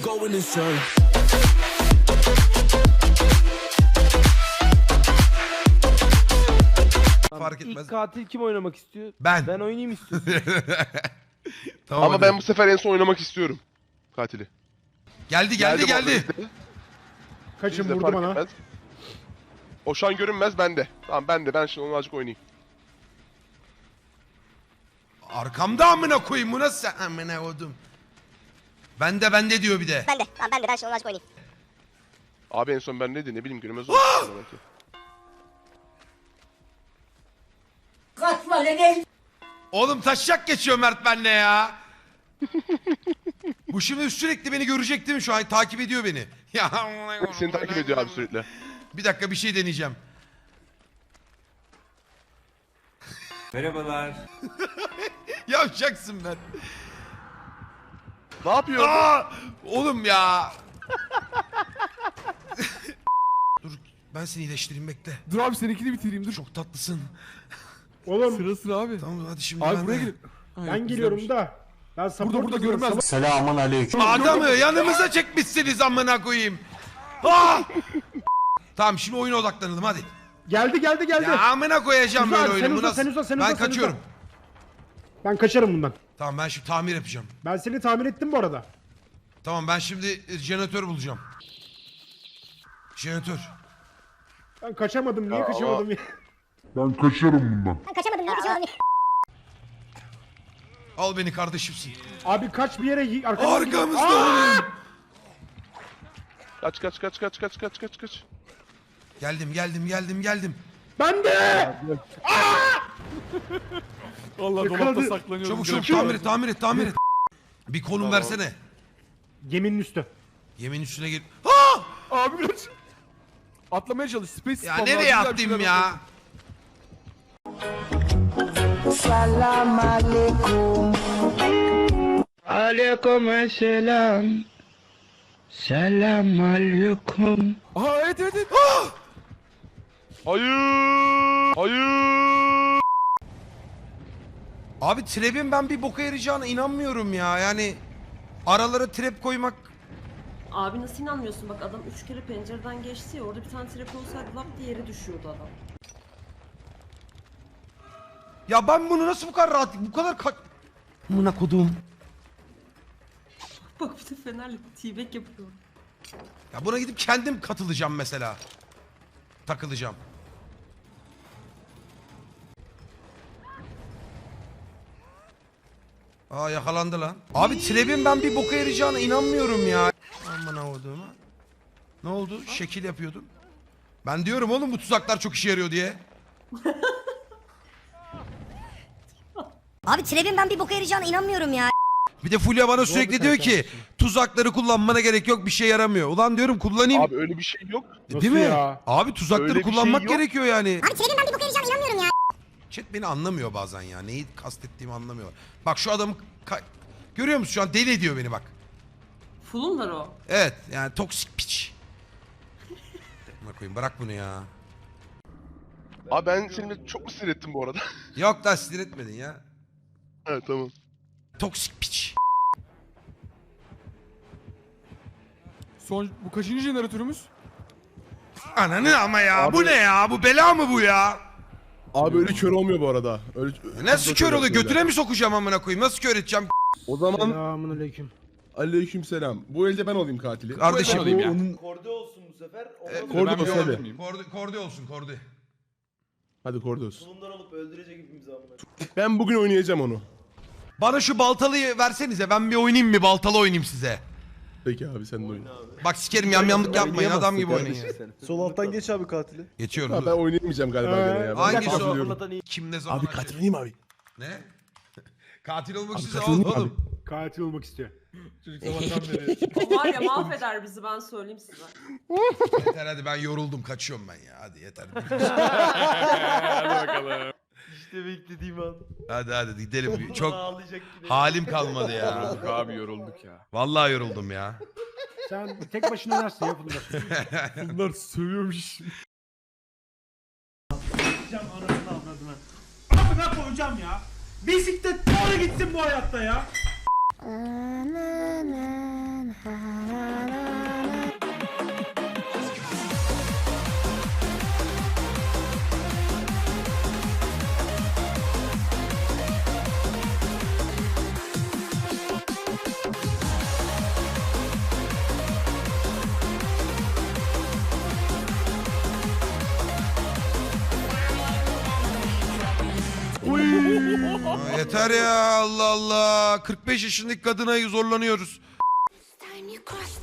going insane. Fark etmez. İlk katil kim oynamak istiyor? Ben. Ben oynayayım istiyorsun. Tamam, Ama hadi. ben bu sefer en son oynamak istiyorum. Katili. Geldi. Kaçın Biz de vurdu fark bana. etmez. O şu an görünmez bende. Tamam bende. Ben şimdi onu azıcık oynayayım. Arkamda amına koyayım, bu nasıl sen? Amına koydum. Bende diyor bir de. Ben de. Tamam ben de. Ben şimdi onu açık oynayayım. Abi en son ben neydi ne bileyim görünmez oldu. Belki. Oğlum taşacak geçiyor Mert benle ya. Bu şimdi sürekli beni görecek değil mi şu an? Takip ediyor beni. Ya Seni takip ediyor abi sürekli. bir dakika bir şey deneyeceğim. Merhabalar. Yapacaksın ben. Ne yapıyor? Aa! Oğlum ya. Dur ben seni iyileştireyim bekle. Dur abi seninkini bitireyim dur. Çok tatlısın. Oğlum Sıra sıra abi. Tamam hadi şimdi Abi ben buraya de. gelin. ben geliyorum da. Ben support Burada görünmez. Adamı yanımıza çekmişsiniz amına koyayım. Aa! Tamam şimdi oyuna odaklanalım hadi. Geldi. Ya amına koyacağım Güzel, böyle sen oyunu. Bu uza, nasıl- sen uza, sen Ben uza, sen kaçıyorum. Ben kaçarım bundan. Tamam ben şimdi tamir yapacağım. Ben seni tamir ettim bu arada. Tamam ben şimdi jeneratör bulacağım. Jeneratör. Ben kaçamadım. Niye Ya kaçamadım ya? Ben kaçamadım. Niye kaçamadım? Al beni kardeşimsin. Abi kaç bir yere arkamda. Arkamızda. Kaç. Geldim. Ben de. Allah Yakaladı. dolapta saklanıyorum. Çabuk tamir et. Bir konum versene. Geminin üstü. Yemin üstüne gir. Ha! Abi biraz. Atlamaya çalış. Space Ya spam nereye lazım, attım güzel bir ya? Salam aleyküm. Aleyküm selam. Selam aleyküm. şey. Aha evet. Hayır. Abi trap'in ben bir boka yarayacağına inanmıyorum ya. Yani aralara trap koymak. Abi nasıl inanmıyorsun? Bak adam 3 kere pencereden geçti ya, orada bir tane trap olsaydı lap diye yere düşüyordu adam. Ya ben bunu nasıl bu kadar rahat, bu kadar Amına kodum. Bak bir de Fener'le t-back yapıyor. Ya buna gidip kendim katılacağım mesela. Takılacağım. Aa yakalandı lan. Abi trap'in ben bir boka yarayacağına inanmıyorum ya. Amına koduğuma. Ne oldu? Şekil yapıyordum. Ben diyorum oğlum bu tuzaklar çok işe yarıyor diye. Abi Trev'in ben bir boka yarayacağına inanmıyorum ya. Bir de Fulya bana sürekli bir diyor karakter ki tuzakları kullanmana gerek yok, bir şey yaramıyor. Ulan diyorum kullanayım. Abi öyle bir şey yok. Değil mi? ya? Abi tuzakları Öyle bir şey kullanmak yok. gerekiyor yani. Abi Trev'in ben bir boka yarayacağına inanmıyorum ya. Chat beni anlamıyor bazen ya. Neyi kastettiğimi anlamıyor. Bak şu adamı görüyor musun şu an deli ediyor beni bak. Full'unlar o. Evet yani toksik piç. Amına koyayım bırak bunu ya. Abi ben seni çok mu sinir ettim bu arada? Yok da sinir etmedin ya. Evet tamam. Toksik piç. Son bu kaçıncı jeneratörümüz? Ananı ama ya bu ne ya? Bu bela mı bu ya? Abi öyle kör olmuyor bu arada. Öyle, Nasıl kör oluyor? Götüne mi sokacağım amına koyayım? Nasıl kör edeceğim? O zaman Selamünaleyküm. aleykümselam. Bu elde ben olayım katili. Kardeşim Bu olayım ya. onun Korde olsun bu sefer. Kordi Ben bir bas alabilir hadi. miyim? Kordi olsun kordi. Hadi Kordos. Bundan olup öldürecek hepimizi amına. Ben bugün oynayacağım onu. Bana şu baltalıyı versenize ben bir oynayayım mı? Baltalı oynayayım size. Peki abi sen de oyna. Bak sikerim yamyamlık yapmayın adam gibi oynayın ya. Sol alttan geç abi katili. Geçiyorum Ha, ben dur. oynayamayacağım galiba gene ya. Ben Hangisi o? hatırlıyorum. Kim ne zaman Abi açıyor? katil oynayayım abi. Ne? Katil olmak Abi istiyorsa katil oynayayım oğlum. Katil olmak istiyor. Çocuk sabahtan beri. O var ya mahveder bizi, ben söyleyeyim size. Yeter hadi ben yoruldum kaçıyorum ben ya hadi yeter. Hadi bakalım. İşte beklediğim an. hadi gidelim. Çok Ağlayacak yine. halim kalmadı ya. Yorulduk abi yorulduk ya. Vallahi yoruldum ya. Sen tek başına oynarsın ya bunlar. Bunlar sövüyormuş. Anasını avradına. Amına koyacağım ya. Bisiklet doğru gitsin bu hayatta ya. Aa, yeter ya Allah Allah. 45 yaşındaki kadına zorlanıyoruz. Time you cross